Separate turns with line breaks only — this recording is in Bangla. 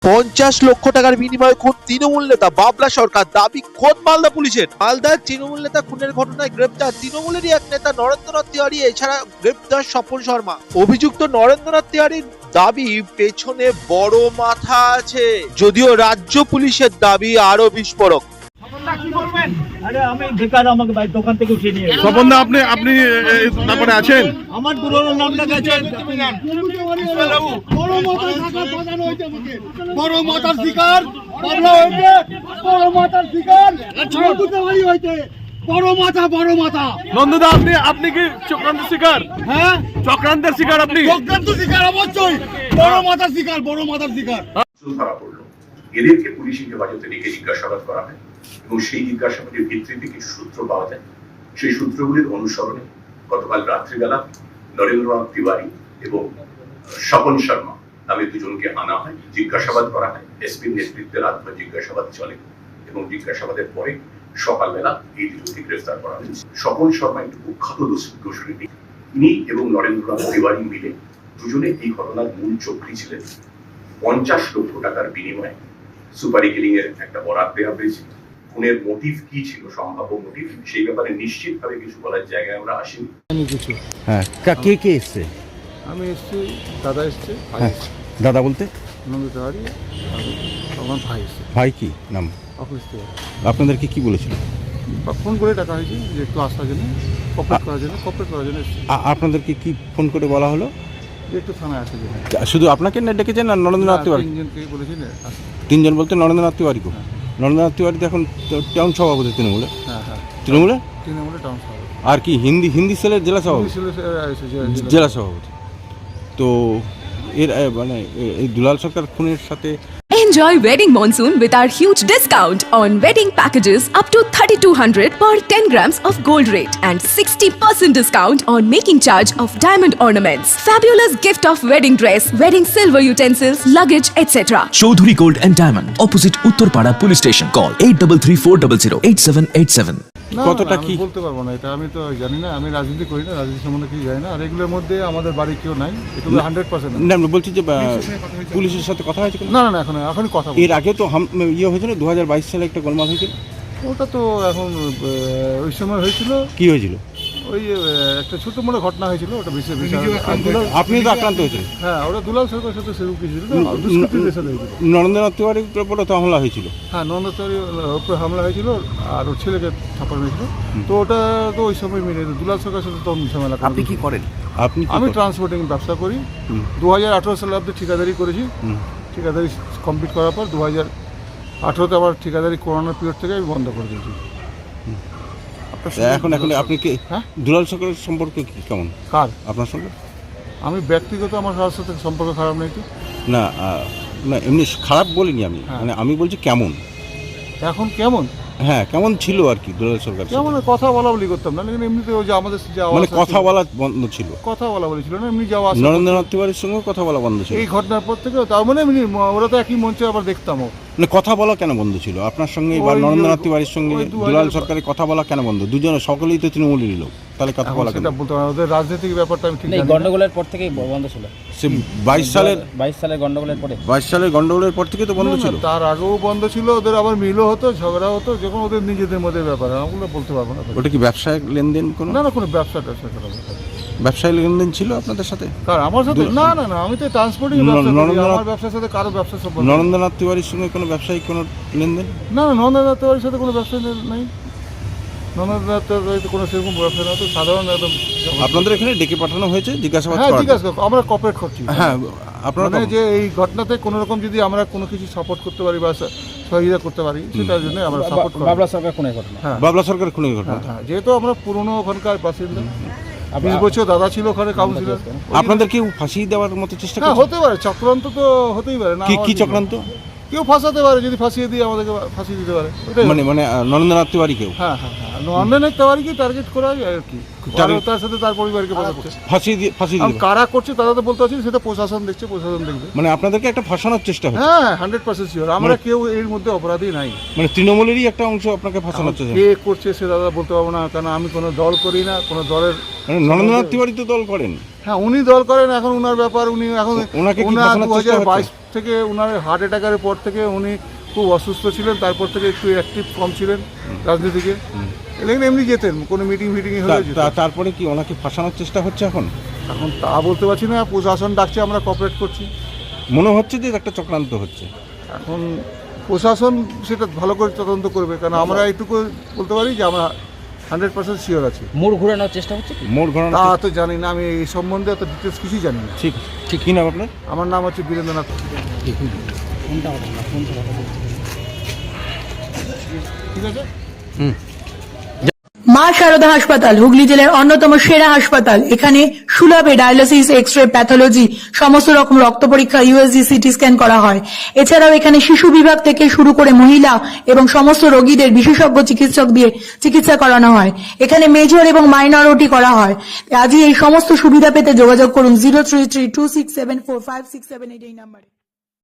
50 লক্ষ টাকার বিনিময়ে খুন তৃণমূল নেতা বাবলা সরকার, দাবি খোদ মালদা পুলিশের। মালদার তৃণমূল নেতা খুনের ঘটনায় গ্রেপ্তার তৃণমূলেরই এক নেতা নরেন্দ্রনাথ তিওয়ারি, এছাড়া গ্রেপ্তার স্বপন শর্মা। অভিযুক্ত নরেন্দ্রনাথ তিওয়ারির দাবি পেছনে বড় মাথা আছে, যদিও রাজ্য পুলিশের দাবি আরো বিস্ফোরক।
স্বপনদা, আপনি তারপরে আছেন?
আমার পুরোনো নামটা গেছে বড় মাথার শিকার বাবলা হয়েছে, বড় মাথার শিকার হয়েছে, বড় মাথা।
নন্দদা, আপনি কি চক্রান্ত শিকার?
হ্যাঁ,
চক্রান্তের শিকার আপনি?
চক্রান্ত শিকার অবশ্যই, বড় মাথার শিকার।
ধরা পড়লো, এদেরকে পুলিশি হেফাজতে রেখে জিজ্ঞাসাবাদ করা হয় এবং সেই জিজ্ঞাসাবাদের ভিত্তিতে কিছু সূত্র পাওয়া যায়। সেই সূত্রগুলির অনুসরণে গতকাল রাত্রিবেলা নরেন্দ্রনাথ তিওয়ারি এবং স্বপন শর্মা নামে দুজনকে আনা হয়, জিজ্ঞাসাবাদ করা হয়। এসপির নেতৃত্বে রাতভর জিজ্ঞাসাবাদ চলে এবং জিজ্ঞাসাবাদের পরে সকালবেলা এই দুজনকে গ্রেফতার করা হয়েছে। স্বপন শর্মা একটি কুখ্যাত দুষ্কৃতী। তিনি এবং নরেন্দ্রনাথ তিওয়ারি মিলে দুজনে এই ঘটনার মূল চক্রী ছিলেন। 50 লক্ষ টাকার বিনিময়ে সুপারি কিলিং এর একটা বরাত দেওয়া হয়েছে। খুনের মোটিভ কি ছিল, সম্ভাব্য মোটিভ, সেই ব্যাপারে নিশ্চিতভাবে কিছু বলার জায়গায় আমরা আসিনি।
হ্যাঁ, কে কে এসছে?
আমি এসছি, দাদা এসছে, ভাই
হ্যাঁ,
এসছে,
দাদা বলতে
নন্দ তিওয়ারি, আমার ভাই এসছে,
ভাই কি নাম?
অফিস থেকে
আপনাদেরকে কি বলেছিল?
ফোন করে ডাকা হয়েছে যে একটু আসার জন্য, কপারেট করার জন্য এসছে।
আপনাদেরকে কি ফোন করে বলা হলো
যে একটু থানায় আসে জন্য।
শুধু আপনাকে না ডেকেছেন আর নরেন্দ্রনাথ তিওয়ারি?
তিনজনকে বলেছি না আসতে।
তিনজন বলতে নরেন্দ্রনাথ তিওয়ারিকে? নরেন্দ্রনাথ তিওয়ারি তো এখন টাউন সভাপতি তৃণমূলে।
হ্যাঁ, তৃণমূলে টাউন সভাপতি।
আর কি হিন্দি সেলের জেলা সভাপতি? জেলা সভাপতি। তো এর মানে এই দুলাল সরকার খুনের সাথে
Enjoy wedding monsoon with our huge discount on wedding packages up to 3200 per 10 grams of gold rate and 60% discount on making charge of diamond ornaments. Fabulous gift of wedding dress, wedding silver utensils, luggage, etc.
Chaudhuri Gold and Diamond, opposite Uttarpada Police Station. Call 8334008787.
কতটা কি
বলতে পারবো না, এটা আমি তো জানি না। আমি রাজনীতি করি না, রাজনীতি সম্বন্ধে কিছু জানি না। আর এগুলোর মধ্যে আমাদের বাড়ি কেউ নাই, এটা 100%।
না, আমি বলছি যে পুলিশের সাথে কথা হয়েছে?
না, এখনই কথা
এর আগে তো হয়েছিল 2022 সালে একটা গোলমাল হয়েছিল।
ওটা তো এখন ওই সময় হয়েছিল।
কি হয়েছিল?
ওই একটা ছোট মোটো ঘটনা হয়েছিল, ওটা বেশি
আপনি তো আক্রান্ত হয়েছিলেন।
হ্যাঁ, ওটা দুলাল সরকারের সাথে সেরকম কিছু ছিল না, দুষ্কৃতীদের সাথে হয়েছিল।
নরেন্দ্রনাথ তিওয়ারির উপরে তো হামলা হয়েছিল।
হ্যাঁ, নন্দ তিওয়ারির উপরে হামলা হয়েছিল আর ওর ছেলেকে থাপানো হয়েছিল। তো ওটা তো ওই সময় মিলে দুলাল সরকারের সাথে তো ঝামেলা।
আপনি কি করেন?
আমি ট্রান্সপোর্টিং ব্যবসা করি। 2018 সালে অব্দি ঠিকাদারি করেছি। ঠিকাদারি কমপ্লিট করার পর 2018-তে আবার ঠিকাদারি করোনার পিরিয়ড থেকে আমি বন্ধ করে দিয়েছি।
এখন আপনি কি দুলাল সরকারের সম্পর্ক কেমন?
কার?
আপনার সঙ্গে?
আমি ব্যক্তিগত আমার কারোর সাথে সম্পর্ক খারাপ নেই তো।
না, এমনি খারাপ বলিনি আমি, মানে আমি বলছি কেমন
এখন। কেমন?
হ্যাঁ, কেমন ছিল আর কি দুলাল সরকার?
কেমন কথা বলা বলি করতাম না, কিন্তু এমনিতে ওই যে আমাদের
মানে কথা বলা বন্ধ ছিল?
কথা বলা বলি ছিল না, এমনি যাওয়া।
নরেন্দ্রনাথ তিওয়ারির সঙ্গে কথা বলা বন্ধ ছিল
এই ঘটনার পর থেকে। তার মানে এমনি ওরা তো একই মঞ্চে আবার দেখতামও।
মানে কথা বলা কেন বন্ধ ছিল আপনার সঙ্গে বা নরেন্দ্রনাথ তিওয়ারির সঙ্গে? দুলাল সরকারের কথা বলা কেন বন্ধ? দুজনে সকলেই তো তৃণমূলেরই লোক, তাহলে কথা বলা কেন?
সেটা বলতে পারবো, ওদের রাজনৈতিক ব্যাপারটা আমি ঠিক জানি না।
গন্ডগোলের পর থেকেই বন্ধ ছিল।
সে 22 সালের
গন্ডগোলের পরে,
22 সালের গন্ডগোলের পর থেকে তো বন্ধ ছিল।
তার আগেও বন্ধ ছিল। ওদের আবার মিলও হতো, ঝগড়া হতো, যখন ওদের নিজেদের মধ্যে ব্যাপার। ওগুলো বলতে পারবো না।
ওটা কি ব্যবসায়িক লেনদেন?
না, কোনো ব্যবসা করা
ব্যবসায়িক লেনদেন ছিল আপনাদের সাথে?
কার? আমার সাথে? না, আমি তো ট্রান্সপোর্টিং ব্যবসা করি। আমার ব্যবসার সাথে কারো ব্যবসা সম্পর্ক।
নরেন্দ্রনাথ তিওয়ারির সঙ্গে কোনো ব্যবসায়িক কোনো লেনদেন?
না, নরেন্দ্রনাথ তিওয়ারির সাথে কোনো ব্যবসা নেই। নরেন্দ্রনাথ তিওয়ারির কোনো সেরকম ব্যবসা না, তো সাধারণ একদম।
আপনাদের এখানে ডেকে পাঠানো হয়েছে জিজ্ঞাসাবাদ?
হ্যাঁ, জিজ্ঞাসা আমরা কপারেট করছি।
হ্যাঁ, আপনারা
মানে যে এই ঘটনাতে কোনো রকম যদি আমরা কোনো কিছু সাপোর্ট করতে পারি বা সহযোগিতা করতে পারি, সেটার জন্য আমরা সাপোর্ট করি।
বাবলা সরকার খুনের ঘটনা।
হ্যাঁ,
বাবলা সরকার খুনের ঘটনা।
হ্যাঁ, যেহেতু আমরা পুরনো ওখানকার বাসিন্দা, 20 বছর দাদা ছিল ওখানে কাউন্সিলর।
আপনাদের কেউ ফাঁসি দেওয়ার মতো চেষ্টা
হ্যাঁ,
করছে?
হতে পারে। চক্রান্ত তো হতেই পারে না।
কি চক্রান্ত?
কেউ ফাঁসাতে পারে, যদি ফাঁসিয়ে দিয়ে আমাদেরকে ফাঁসিয়ে দিতে পারে।
মানে নরেন্দ্রনাথ তিওয়ারি কেউ?
হ্যাঁ, নরেন্দ্রনাথ তিওয়ারিকে টার্গেট করা হয় আর কি। তার সাথে তার পরিবারকে বোঝাচ্ছে
ফাঁসি দিয়ে
কারা করছে তারা তো বলতে পারছি, সেটা প্রশাসন দেখছে, প্রশাসন দেখবে।
মানে আপনাদেরকে একটা ফাঁসানোর চেষ্টা হচ্ছে?
হ্যাঁ, 100% শিওর। আমরা কেউ এর মধ্যে অপরাধী নাই।
মানে তৃণমূলেরই একটা অংশ আপনাকে ফাঁসানোর চেষ্টা?
কে করছে সে দাদা বলতে পারবো না, কারণ আমি কোনো দল করি না, কোনো দলের।
মানে নরেন্দ্রনাথ তিওয়ারি তো দল করেন?
হ্যাঁ উনি দল করেন, এখন উনার ব্যাপার। উনি এখন
ওনাকে কি
উনার
ফাঁসানোর চেষ্টা
2022 থেকে উনার হার্ট অ্যাটাকের পর থেকে উনি খুব অসুস্থ ছিলেন, তারপর থেকে একটু অ্যাক্টিভ কম ছিলেন রাজনীতিকে। এলেন এমনি যেতেন, কোনো মিটিং হলে যেতেন।
তারপরে কি ওনাকে ফাঁসানোর চেষ্টা হচ্ছে এখন?
এখন তা বলতে পারছি না, প্রশাসন ডাকছে, আমরা কোঅপারেট করছি।
মনে হচ্ছে যে একটা চক্রান্ত হচ্ছে।
এখন প্রশাসন সেটা ভালো করে তদন্ত করবে, কারণ আমরা এইটুকু বলতে পারি যে আমরা 100% শিওর আছি।
মোড় ঘোরানোর চেষ্টা হচ্ছে কি?
মোড় ঘোরানো
তা তো জানি না, আমি এই সম্বন্ধে অত ডিটেলস কিছুই জানি না।
ঠিক ঠিক কি নাম আপনার?
আমার নাম হচ্ছে বীরেন্দ্রনাথ। ঠিক আছে।
মা শারদা হাসপাতাল হুগলি জেলার অন্যতম সেরা হাসপাতাল। এখানে সুলভে ডায়ালিসিস, এক্স-রে, প্যাথোলজি, সমস্ত রকম রক্ত পরীক্ষা, ইউএসজি, সিটি স্ক্যান করা হয়। এছাড়াও এখানে শিশু বিভাগ থেকে শুরু করে মহিলা এবং সমস্ত রোগীদের বিশেষজ্ঞ চিকিৎসক দিয়ে চিকিৎসা করানো হয়। এখানে মেজর এবং মাইনর ওটি করা হয়। আজই এই সমস্ত সুবিধা পেতে যোগাযোগ করুন 03326745678 এই নম্বরে।